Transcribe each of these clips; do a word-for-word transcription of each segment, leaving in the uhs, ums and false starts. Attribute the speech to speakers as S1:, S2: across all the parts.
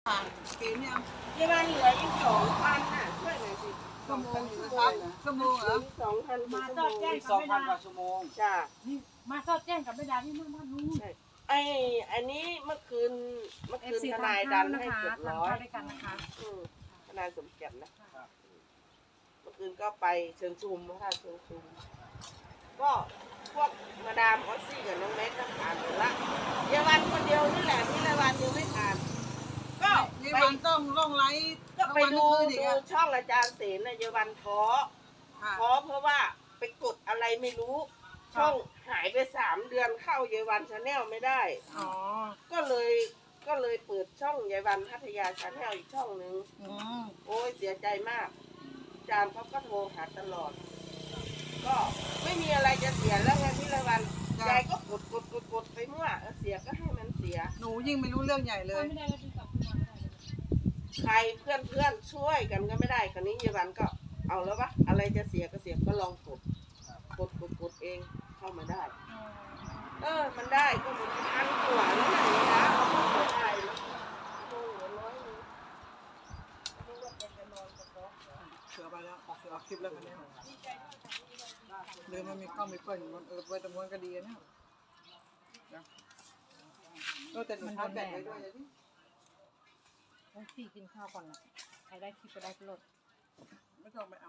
S1: ผ่านเกมยัง
S2: เยาวันเหลืออีกสองพันน่ะช่วยหน่อยสิ
S1: ชั่วโมงนะครับชั่วโมงเหรอ
S2: สองพัน
S3: มา
S2: ชั่ว
S3: ส
S2: โม
S3: อดแจ้ง
S2: ง
S3: กับ
S4: สอง
S3: ไม่
S4: พัน
S3: ได้
S4: กว่าชั่วโมง
S2: จ้า
S3: นี่มาสอดแจ้งกับไม่ได้ที่เมื่อวานนู้น
S2: ไออันนี้เมื่อคืนเมื่อ
S3: เอ
S2: คื
S3: ฟ
S2: น
S3: ซี
S2: ท
S3: ทาน
S2: นายดั
S3: ข้าวน นะ
S2: ให้
S3: คะ
S2: เกือบ
S3: ทาน
S2: ร้อย
S3: ข้าวด้วยกันนะคะ
S2: อืมทนายสมเกียรตินะเมื่อคืนก็ไปเชิญชุมพระธาตุเชิญชุมก็พวกมาดามออสซี่กับน้องเล็กก็ผ่านหมดละเยาวันคนเดียวนี่แหละที่ละวันยังไม่ผ่านก็
S1: ยี่
S2: ไป
S1: วันต้องล่องไลฟ์
S2: ก็ไปดู
S1: ทั้งวันทั้งคืนอีก
S2: ดู
S1: อะ
S2: ช่องอาจารย์เสนนะเยาวันท้อ
S1: ค่ะ
S2: ท้อเพราะว่าไปกดอะไรไม่รู้ ช่องหายไปสามเดือนเข้าเยาวันชาแนลไม่ได้
S1: อ๋อ
S2: ก็เลยก็เลยเปิดช่องเยาวันพัทยาชาแนลอีกช่องหนึ่ง
S1: อืม
S2: โอ้ยเสียใจมากอาจารย์เขาก็โทรหาตลอด ก็ไม่มีอะไรจะเสียแล้วไงพี่ละวันยายก็กดกดกดกดไปมั่วเออเสียก็ให้มันเสีย
S1: หนูยิ่งไม่รู้เรื่องใหญ่เลย
S3: ไม่ได้แล้วที่กลับมาไม่ได้เลย
S2: ใครเพื่อนเพื่อนช่วยกันก็ไม่ได้คราวนี้เยาวันก็เอาแล้ววะอะไรจะเสียก็เสียก็ลองกดกดกดกดเองเข้ามาได้ เออ มันได้ก็เหมือนพันกว่าแล้วนะนี่นะเราก็เสียได้แล้วโอ้โหร้อยหนึงไม่ว่าจะจะนอนกับน้อง
S1: เสือไปแล้วเสือออกคลิปแล้วกันเนี่ยลืมมันมีกล้องมีเปิดมันเออไว้ตรงนู้นก็ดีนะเนี่ยก็แต่หนูชาร์จแบตไว้ด้วยนะที่
S3: ต้องสี่กินข้าวก่อนนะใครได้คลิปก็ได้ก็ลด
S1: ไม่ต้องไปเอา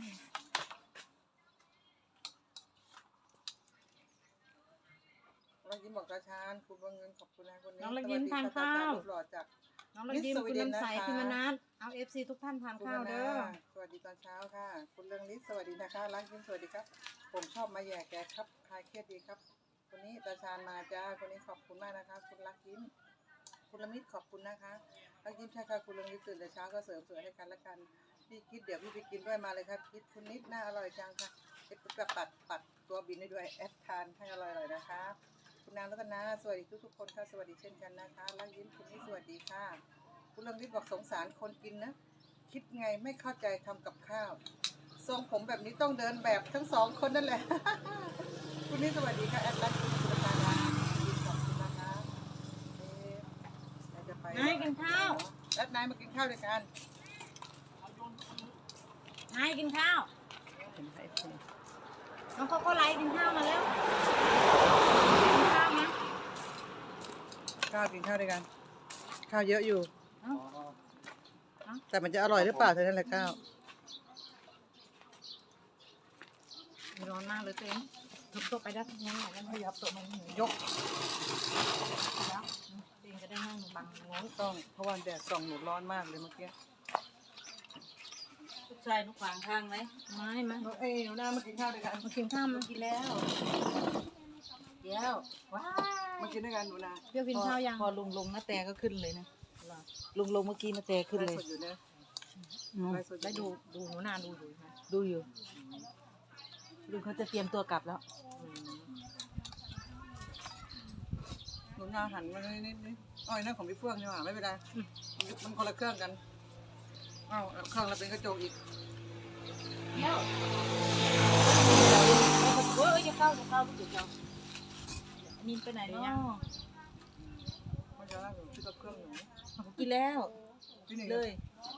S1: เรายิ้มบอกตาชานคุณบังเงินขอบคุณนะคนนี้
S3: น้องละยิ้มทานข้าว
S1: รูปหล่อจาก
S3: น้องละยิ้มคุณน้ำใสคุณมนัสเอาเอฟซีทุกท่านทาน
S1: คุณ
S3: ข้าว
S1: นา
S3: เด้อ
S1: สวัสดีตอนเช้าค่ะ คุณเรืองฤทธิ์สวัสดีนะคะรักยิ้มสวัสดีครับ ผมชอบมาแย่แกครับคลายเครียดดีครับ คนนี้ตาชานมาจ้าคนนี้ขอบคุณมากนะคะ คุณรักยิ้มคุณละมิตรขอบคุณนะคะรักยิ้มใช่ค่ะคุณเรืองฤทธิ์ตื่นแต่เช้าก็เสริมสวยให้กันละกันพี่คิดเดี๋ยวพี่ไปกินด้วยมาเลยครับคิดคุณนิดน่าอร่อยจังค่ะเอ็ดกระปัดปัดตัวบินได้ด้วยแอดทานให้อร่อยๆนะคะคุณนางรัตนาสวัสดีทุกๆคนค่ะสวัสดีเช่นกันนะคะรักยิ้มคุณนิดสวัสดีค่ะคุณเรืองฤทธิ์บอกสงสารคนกินนะคิดไงไม่เข้าใจทำกับข้าวทรงผมแบบนี้ต้องเดินแบบทั้งสองคนนั่นแหละ คุณนิดสวัสดีค่ะแอดรักยิ้มคุณนางรัตนาขอบคุณนะคะเอ๊ะเราจะไป
S3: นายกินข้าว
S1: แอดนายมากินข้าวด้วยกัน
S3: นายกินข้าวน้องเขาก็ไลฟ์กินข้าวมาแล้วกินข้าวมั้ย
S1: ข้าวกินข้าวด้วยกัน ข้าวเยอะอยู่
S3: เอ้า
S1: แต่มันจะอร่อยหรือเปล่าเท่านั้นแหละข้าว
S3: ร้อนมากเลยตัวเองทุบตัวไปได้ทั้งนั้นแหละแล้วขยับตัวมันหนู
S1: ยก
S3: แล้วตัวเองจะได้นั่งบังงน
S1: ต้องเพราะว่าแดดส่องหนูร้อนมากเลยเมื่อกี้
S4: ลูกชายลูกขวางข้างไหม
S3: ไม่มา
S1: น้องเอ้ยหนูหน้ามากินข้าวด้วยกัน
S3: มากินข้าวมากินแล้ว
S4: เดี๋ยวว้า
S1: มากินด้วยกันหนูนา
S3: เปรี้ยวกินข้าวยัง
S4: พอลุงลงนาแตก็ขึ้นเลยนะลุงลงเมื่อกี้นาแตขึ้นเลย
S1: ไลฟ์สดอยู่นะ
S4: อืม
S1: ไลฟ์สดอยู่
S3: ได้ดูดูหนูนาดูอยู่ไหม
S4: ดูอยู่ลุงเขาจะเตรียมตัวกลับแล้ว
S1: หนูนาหันมานิดนิดอ้อยนั่นของพี่เฟื่องนี่หว่าไม่เป็นไรมันคนละเครื่องกันอ้าวเครื่องเราเป็นกระจกอีก
S4: เดี๋ยวเฮ้ยจะเข้าจะเข้าลูกเดี๋ยวเข้านินไปไหนเนาะ
S1: มันจะน่าจะคิดกับเครื่องหนู
S4: กินแล้ว
S1: พี่หนึ่ง
S4: เลย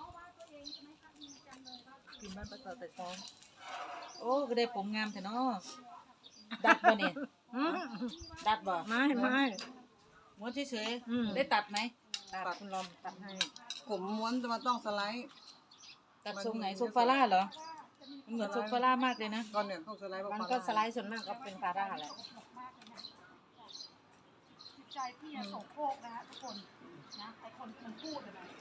S4: กินบ้านประกอบแต่ซองโอ้ก็ได้ผมงามแต่เนาะดัดบ่เนี่ย
S3: อืม
S4: ดัดบ่
S3: ไม่ไม่
S4: ม้วนเฉย
S3: อืม
S4: ๆได้ตัดไหม
S3: ตัดคุณลอมตัดให้
S1: ผมม้วนจะมาต้องสไลด์
S4: ตัดทรงไหนทรงฟาร่าเหรอมันเหมือนทรงฟาร่ามากเลยนะ
S1: ก่อนเนี่ยต้องสไลด์
S3: มันก็สไลด์ส่วนมากก็เป็นฟาร่าแหละ
S5: ใจพี่อะโสโครกนะฮะทุกคนนะไอคนมันพูดอะนะ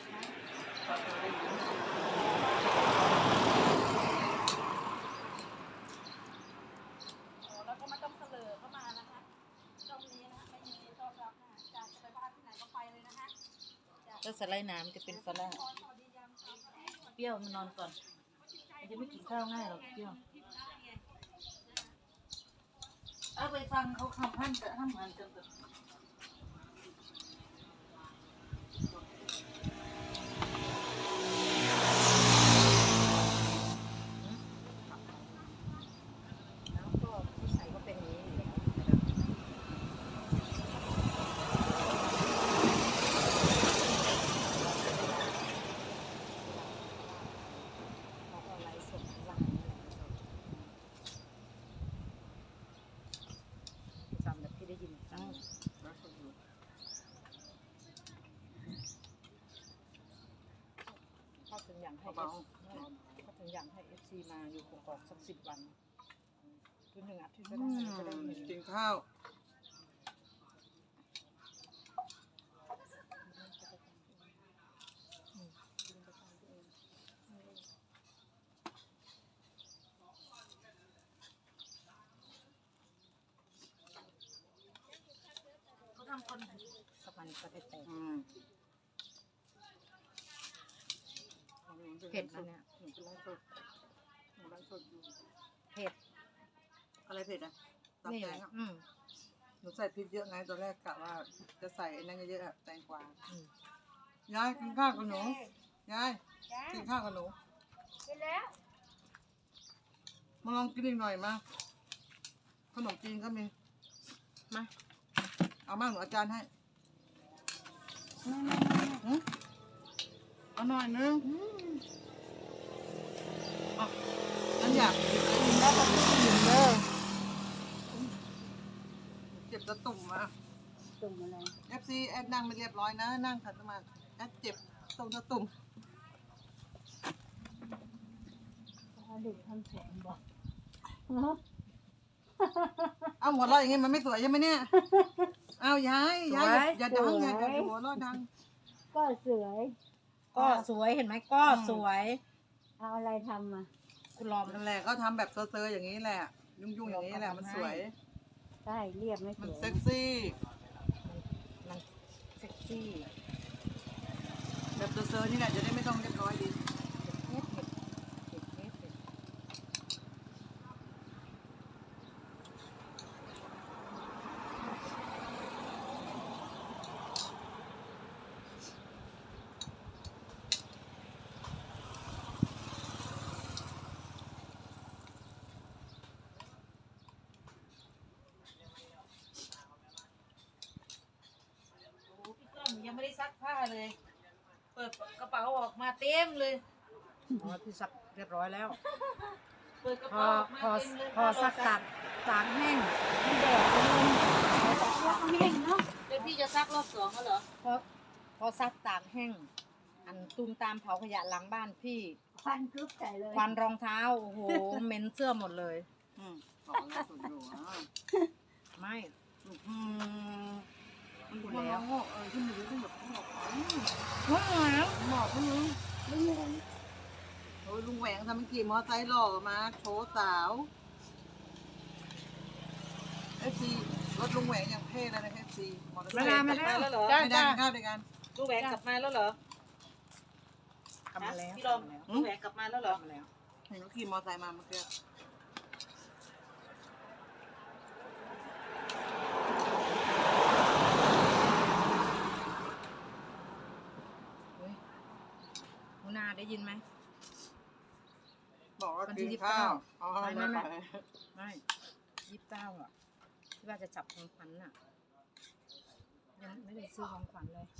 S5: โอ้แล้วก็ไม่ต้องเสลอเข้ามานะคะช่องนี้นะไม่มีต้อนรับนะจากจะไปบ้านที่ไหนก็ไปเลยนะคะ
S4: ก็สไลด์น้ำจะเป็นฟาร่าเปรี้ยวมันนอนก่อนมันจะไม่กินข้าวง่ายหรอกเปรี้ยวเอาไปฟังเขาคำพันจะทำงานจนแบบ
S3: ให้
S1: เบา
S3: ก็ถึงอยากให้เอฟซีมาอยู่กอกๆสักสิบวันคือหนึ่งอาทิตย์
S1: ๆ
S3: ก็
S1: อื
S3: ได้จะได้
S1: ม
S3: เห็น
S1: กินข้าว
S3: เขาทำคนสักวันก็ได้แต่ง
S1: อืม
S3: เผ็ดนะเนี่ย
S1: หนูเป็นไลฟ์สดหนูไลฟ์สดอยู่
S3: เผ็ด
S1: อะไรเผ็ดอ่ะตับ
S3: นี่
S1: แต
S3: แห
S1: ง
S3: ละ
S1: อ่ะ
S3: อืม
S1: หนูใส่พริกเยอะไงตอนแรกกะว่าจะใส่ไอ้นั่นเยอะๆอะแตงกวา
S3: อืม
S1: ยายกินข้าวกับหนูยายกินข้าวกับหนู
S5: กินแล้ว
S1: มาลองกินอีกหน่อยมาขนมจีนก็มี
S3: มา
S1: เอามากหนูอาจารย์ให้หืมเอาหน่อยนึงอ่ะนั่นอยากกินอะไรกินได้ก็กินเด้อเจ็บตะตุ่มมา
S5: ตุ่มอะไร
S1: เอฟซีแอดนั่งไม่เรียบร้อยนะ นั่งขัดสมาธิแอดเจ็บตรงตะตุ่ม
S5: เด็กทำผมบอก
S1: เอาหัวเราะอย่างงี้มันไม่สวยใช่ไหมเนี่ย เอายายยายอย่าอย่าดังอย่าอย่าหัวเราะดัง
S5: ก็สวย
S3: ก็สวยเห็นไหมก็สวย
S5: เอาอะไรทำมา
S3: คุณลอม
S1: นั่นแหละก็ทำแบบเซอร์ๆอย่างนี้แหละ ยุ่งๆอย่างนี้แหละมันสวย
S5: ใช่เรียบไม่ส
S1: มัน
S5: วย
S1: เซ็กซี่
S3: มันเซ็กซี่
S1: แบบเซอร์ๆนี่แหละจะได้ไม่ต้องเรียบร้อยดี
S3: เผ็ดเผ็ดเผ็ดเผ็ดเผ็ด
S4: โอ้พี่ก้องยังไม่ได้ซักผ้าเลย เปิดกระเป๋าออกมาเต็มเลย
S3: อ๋อพี่ซักเรียบร้อยแล้ว
S4: เปิดกระ
S3: พอ
S4: เป๋าออกมา
S3: พอ
S4: เต็มเลย
S3: พอซักตากตากแห้ง
S5: มันแดดมันแต่ว่าเขาเห็นเนาะ
S4: เดี๋ยวพี่จะซักรอบสองแล้วเหรอ
S3: พอพอซักตากแห้ง อันตูมตามเผาขยะหลังบ้านพี่
S5: ควันกรุ๊บใส่เลย
S3: ควันรองเท้าโอ้โหเหม็นเสื้อหมดเลย
S1: อืมบอกแล้วสวยอยู่อ่ะ
S3: ไม่
S1: อืมมันอยู่แล้วเออขึ้นมาดูขึ้นแบบหมอกอืม
S3: ว้าว
S1: หมอกขึ้นมา
S5: ไม่เห็น
S1: โอ้ยลุงแหวงทำเป็นขี่มอไซค์หล่อมาโชว์สาวเอฟซีรถลุงแหวงอย่างเท่เลยนะเอฟซีมอเตอร์ไซ
S3: มา
S1: ค์
S3: แล้วมาแล้ว
S4: แล้วเหรอ
S3: จ้า
S1: ไม่ได้
S3: จ้า
S1: ข้าวด้วยกัน
S4: ลูกแหวนกลับมาแล้วเหรอก
S3: ลับมาแล้ว
S4: พี่ลมลูกแหวนกลับมาแล้วเหร
S3: ก
S4: อ
S3: ลับมาแล้ว
S1: เห็นเขาขี่มอไซค์มาเมื่อกี้
S3: เฮ้ยหนูนาได้ยินไหม
S1: บอกว่า
S3: วันที่
S1: กิน
S3: ยี่สิบเก้า
S1: ข้าวอ๋อ
S3: ไม่ไม่
S1: ไม่
S3: ไม่
S1: ไป
S3: ไม่ยี่สิบเก้าอ่ะที่ว่าจะจับของขวัญน่ะ ยังไม่ได้ซื้อของขวัญเลย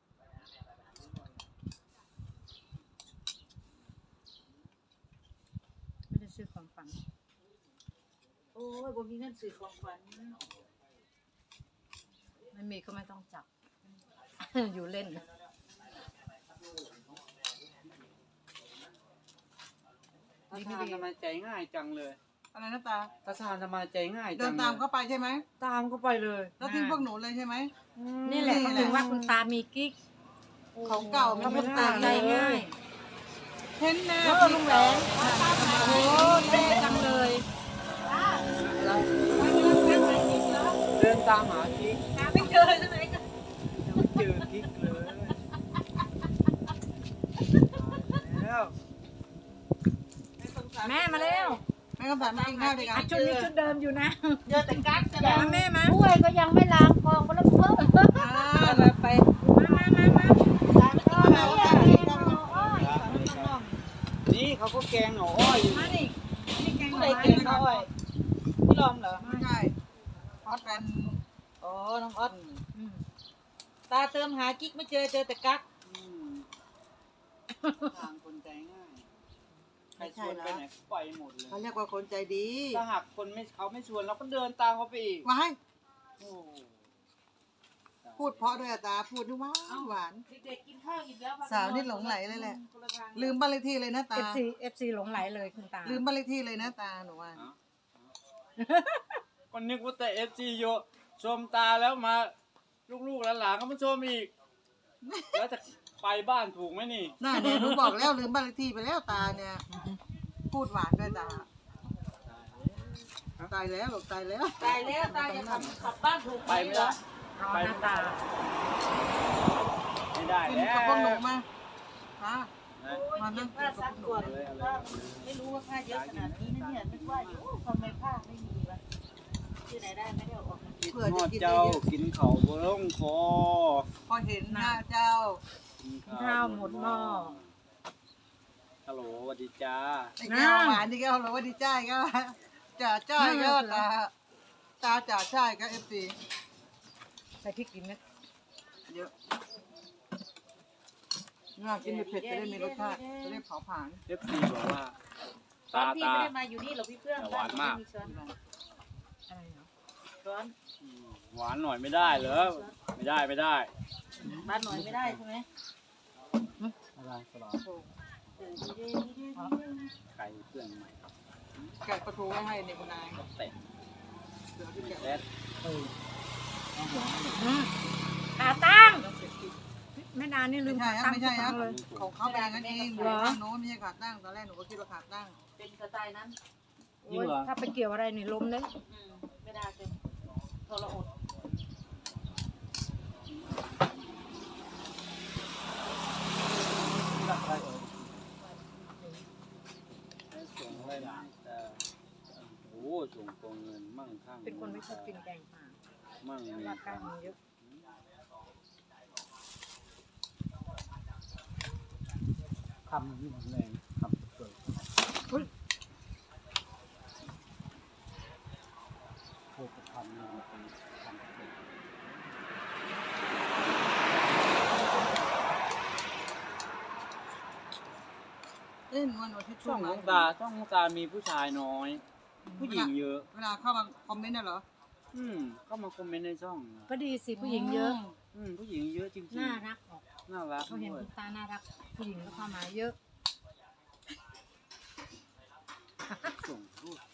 S3: ไม่ได้ซื้อของขวัญ
S4: โอ้ยบ่มีเงินซื้อของขวัญ
S3: ไม่มีก็ไม่ต้องจับ อยู่เล่น
S6: ตาชาญทำไมใจง่ายจังเลย
S1: อะไรนะตา
S6: ตาชาญทำไมใจง่ายจัง
S1: เดินตามเขาไปใช่ไหม
S6: ตามเขาไปเลย
S1: แล้วทิ้งพวกหนูเลยใช่ไหม
S3: นี่แหละเขาถึงว่าคุณตามีกิ๊ก
S1: ของเก่ามัน
S3: เขา
S1: ไม่
S3: คุณ
S1: ตา
S3: ตาม ใจง่าย
S1: เห็นแน่
S3: เออลุงแหวน โอ้เท่จังเลย
S6: เดินตามหากิ๊ก
S4: หาไม่เจอที่ไหนก็
S6: ยังไม่เจอกิ๊กเลยแล้ว
S4: ไม่สงสาร
S3: แม่มาเร็ว
S1: แม่ก็แบบมากินข้าวด้วยกั
S3: อ่ะ
S1: น
S3: ชุดนี้ชุดเดิมอยู่นะ
S4: เจอแต่กั๊กจะแล้ว
S3: มาแม่มา
S5: ถ้วยก็ยังไม่ล้างกองก็แล้วเพิ่ม
S1: อ่า
S4: มาไป
S3: มามามามา
S4: ตามไปกินข้าวกัน
S6: นี่เขาก็แกงหน่ออ้อยอยู่
S3: มาดินี่แกง
S4: ผู้
S3: ห
S4: ใด
S3: น่อไม้
S4: เก่งเขาไอ้พี่ลอมเหรอ
S1: ไม่ใช่ฮอตเป็น
S4: อ๋อ น้องออส
S3: อืม
S4: ตาเติมหากิ๊กไม่เจอเจอแต่กั๊ก
S6: อืมทางคนใจง่ายใครชวนไปไหนไปหมดเลย
S1: เขาเรียกว่าคนใจดี
S6: ถ้าหากคนไม่เขาไม่ชวนเราก็เดินตามเขาไปอีก
S1: มาให้
S6: โอ้ตาย
S1: พูดเพราะด้วยอะตาพูดนี่หวานหวาน
S4: เด็กๆกินข้าวอิ่มแล้วพ
S1: สาวนี่หลงไหลเลยแหละ
S4: คนละทาง
S1: ลืมบ้านเลขที่เลยนะตา
S3: เอฟซีเอฟซีหลงไหลเลยคุณตา
S1: ลืมบ้านเลขที่เลยนะตาหนูว่า
S6: ก็นึกว่าแต่เอฟซีโยชมตาแล้วมา ลูกๆหลานๆก็มาชมอีก แล้วจะไปบ้านถูกไหมนี่
S1: น่าเนี่ยหนูบอกแล้วลืมบ้านเลขที่ไปแล้วตาเนี่ย พูดหวานด้วยตาตายแล้วหรอกตายแล้ว
S2: ตายแล้วตายจะขับขับบ้านถูก
S6: ไปไม่ได้
S3: ร้อนหน้าตา
S6: ไม่ได้
S1: กิน
S6: แล้ว
S1: กับพวกหนูมาตา
S6: นะ
S1: มานั่งกิน
S4: ผ้า
S1: กับ
S4: ซัก
S1: พวกหนู
S4: ก่อนว่าไม่รู้ว่าผ้าเยอะขนาดนี้นะเนี่ยนึกว่าอยู่ทำไมผ้าไม่มีวะที่ไหนได้ไม่ได้เอาออกมา
S6: คิดฮอดเจ้ากินเขาวบ่ลงคอ
S1: พอเห็นหน้าเจ้า
S6: กิน
S3: ข้าวหมดหม้อ
S6: ฮัลโหลสวัสดีจ้า
S1: ไอ้แก้วหวานนี่แก้วเราว่าดีใจก็จ่าจ้อยก็ตาตาจ่าจ้อยก็เอฟซี
S3: ใส่พริกกินไหม
S1: เยอะน่ากินเผ็ดๆจะได้มีรสชาติจะได้เผาผลาญ
S6: เอฟซีบอกว่า
S4: ตอ
S6: ตาน
S4: พี่
S6: ตา
S4: ไม่ได้มาอยู่นี่หรอกพี่เพื่อน
S6: แต่หวานมาก
S4: บ้ช้อน
S3: อะไรเนาะ
S4: ช้อน
S6: อืมหวานหน่อยไม่ได้เหรอไม่ได้ไม่ได้
S4: บ้านหน่อยไม่ได้ใช่ไหม
S6: อะไรสลอ
S4: เออดีดีดีดี
S6: ไก่เพื่อนใหม่
S1: แกะประตูไว้ให้ในคุณนาย
S6: ก็เตะ
S1: เดี๋ยวที่แกะ
S6: แซ่บ
S3: อืมขาตั้งแม่ดานี่ลื
S1: ไม่
S3: ม
S1: ใช่
S3: ขา
S1: ครับ
S3: ตั้ง
S1: ไม่ใช่ครับ
S3: เลย
S1: ของเขาเป็นอย่างนั้นเองหนูตั้งโน้มไม่ใช่ขาตั้งตอนแรกหนูก็คิดว่าขาตั้ง
S4: เป็นสไตล์นั้น
S3: โอ้ยถ้าไปเกี่ยวอะไรนี่ล้มเลย
S4: อืมไม่ได้เป็นทรหด
S6: ให้ส่งอะไรนะแต่โอ้ส่งตรงเงินมั่งคั่ง
S3: เป็นคนไม่ชอบกินแกงป่า
S6: มั่ง
S3: เพราะ
S6: มี
S3: ว่ากล้างมันเยอะ
S6: คำที่แรงคำเกิด
S3: อุ๊ย
S6: โคตรคำนี่มันเป็นคำเกิด
S1: เอ้ยหนูว่าหนูที่
S6: ช่
S1: ช่
S6: อ
S1: ว
S6: ง
S1: ง
S6: ของตาช่องของตามีผู้ชายน้อย ผู้หญิงเยอะ
S1: เวลาเข้ามาคอมเมนต์น่ะเหรอ
S6: อืมเข้ามาคอมเมนต์ในช่องนะ
S3: ก็ดีสิผู้หญิงเยอะ
S6: อืมผู้หญิงเยอะจริงๆ
S3: น่ารักออก
S6: น่ารัก
S3: เขาเห็น
S6: ด้วย
S3: คุณตาน่ารัก ผู้หญิงก็เข้ามาเยอะ
S6: ส่งรูป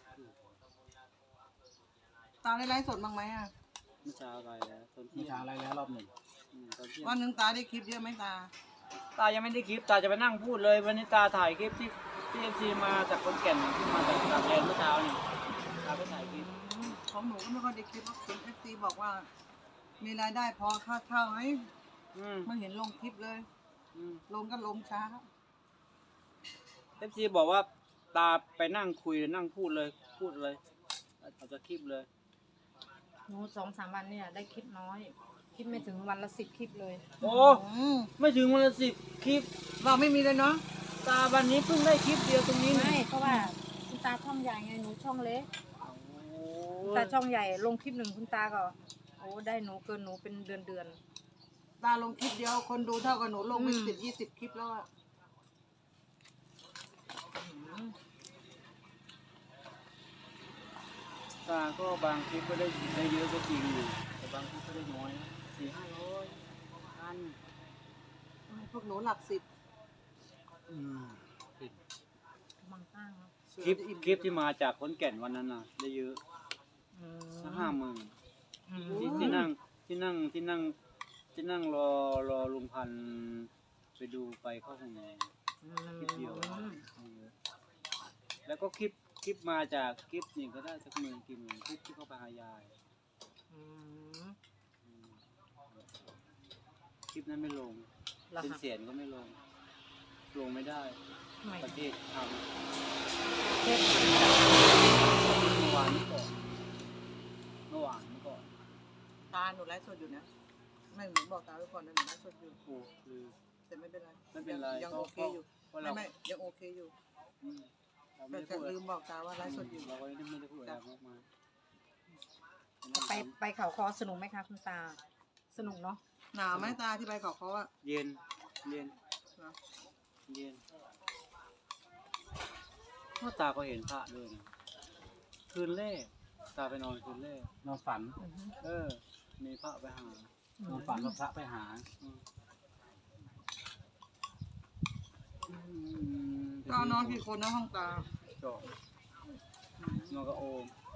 S1: ตาได้ไลฟ์สดบ้างไหมอ่ะ
S6: เมื่อเช้าอะไรแล้วตอนเที่ยงอะไรแล้วรอบหนึ่งอืมตอนเที่ยง
S1: วันหนึ่งตาได้คลิปเยอะไหมตา
S6: ตายังไม่ได้คลิปตาจะไปนั่งพูดเลยวันนี้ตาถ่ายคลิปที่ที่เอฟซีมาจากคนแก่นที่มาจากต่างแดนเมื่อเช้านี่ตาไปถ่ายคลิป
S1: ของหนูก็ไม่ค่อยได้คลิปเพราะคุณเอฟซีบอกว่า มีรายได้พอค่าเช่าไหม
S6: อืม
S1: ไม่เห็นลงคลิปเลย
S6: อืม
S1: ลงก็ลงช้า
S6: เอฟซีบอกว่าตาไปนั่งคุยนั่งพูดเลยพูดเลยเอาจากคลิปเลย
S3: หนูสองสามวันเนี่ยได้คลิปน้อย คลิปไม่ถึงวันละสิบคลิปเลย
S6: โอ้
S1: อืม
S6: ไม่ถึงวันละสิบคลิป
S1: เราไม่มีเลยเนาะ
S6: ตาวันนี้เพิ่งได้คลิปเดียวตรงนี้
S3: ไม่
S6: นี่
S3: เพราะว่าคุณตาช่องใหญ่ไงหนูช่องเล็ก
S6: โอ้
S3: คุณตาช่องใหญ่ลงคลิปหนึ่งคุณตาก็โอ้ได้หนูเกินหนูเป็นเดือนเดือน
S1: ตาลงคลิปเดียวคนดูเท่ากับหนูลงไป
S3: อืม
S1: สิบยี่สิบคลิปแล้วอะ
S6: ตาก็บางคลิปก็ได้ได้เยอะก็จริงอยู่แต่บางคลิปก็ได้น้อยสี่ห้าร้อยพัน
S1: พวกหนูหลักสิบ
S6: อืม
S3: บางตั้งเนาะ
S6: คลิปคลิปที่มาจากขอนแก่นวันนั้นน่ะ ได้เยอะ
S3: อืม
S6: สักห้าหมื่น
S3: อืม
S6: ที่ที่นั่งที่นั่งที่นั่งที่นั่งรอรอลุงพันธุ์ไปดูไปเข้าห้องน้ำคลิปเดียวได้เยอะแล้วก็คลิปคลิปมาจากคลิปนี่ก็ได้สักหมื่นกี่หมื่นคลิปที่เขาไปหายาย
S3: อืม
S6: อืมคลิปนั้นไม่ลง
S3: เหรอ
S6: เป็น
S3: คะ
S6: เสียงก็ไม่ลง ลงไม่ได้
S3: ทำไม
S6: ประเทศทำ
S3: เทป
S6: เมื่อวานนี้ก่อนเมื่อวานนี้ก่อน
S1: ตาหนูไลฟ์สดอยู่นะไม่หนูบอกตาไว้ก่อนนะหนูไลฟ์สดอยู่
S6: โอ้คือ
S1: แต่ไม่เป็นไร
S6: ไม่เป็นไร
S1: ยัง
S6: ก็
S1: โอเคอยู่
S6: เพราะ
S1: ไม่
S6: เรา
S1: ไม่ยังโอเคอยู่
S6: อืมเราไม่
S1: แต่
S6: ได้
S1: แต่
S6: พูด
S1: ลืมบอกตาว่าไลฟ์สดอยู่
S6: เราก็ไม่ได้พูดอะไรมากมาย
S3: ไปไปเขาคอสนุกไหมคะคุณตา สนุกเนาะ
S1: หนาวไหมตาที่ไปเขาเขาอะ
S6: เย็นเย็น
S1: เหรอ
S6: เย็นพ่อตาก็เห็นพระด้วยนะคืนแรกตาไปนอนคืนแรกนอนฝัน
S3: อือฮึ
S6: เออ มีพระไปหานอนฝันว่าพระไปหาอืม
S1: ก็นอนกี่คนนะห้องตา
S6: ก็นอนกับโอม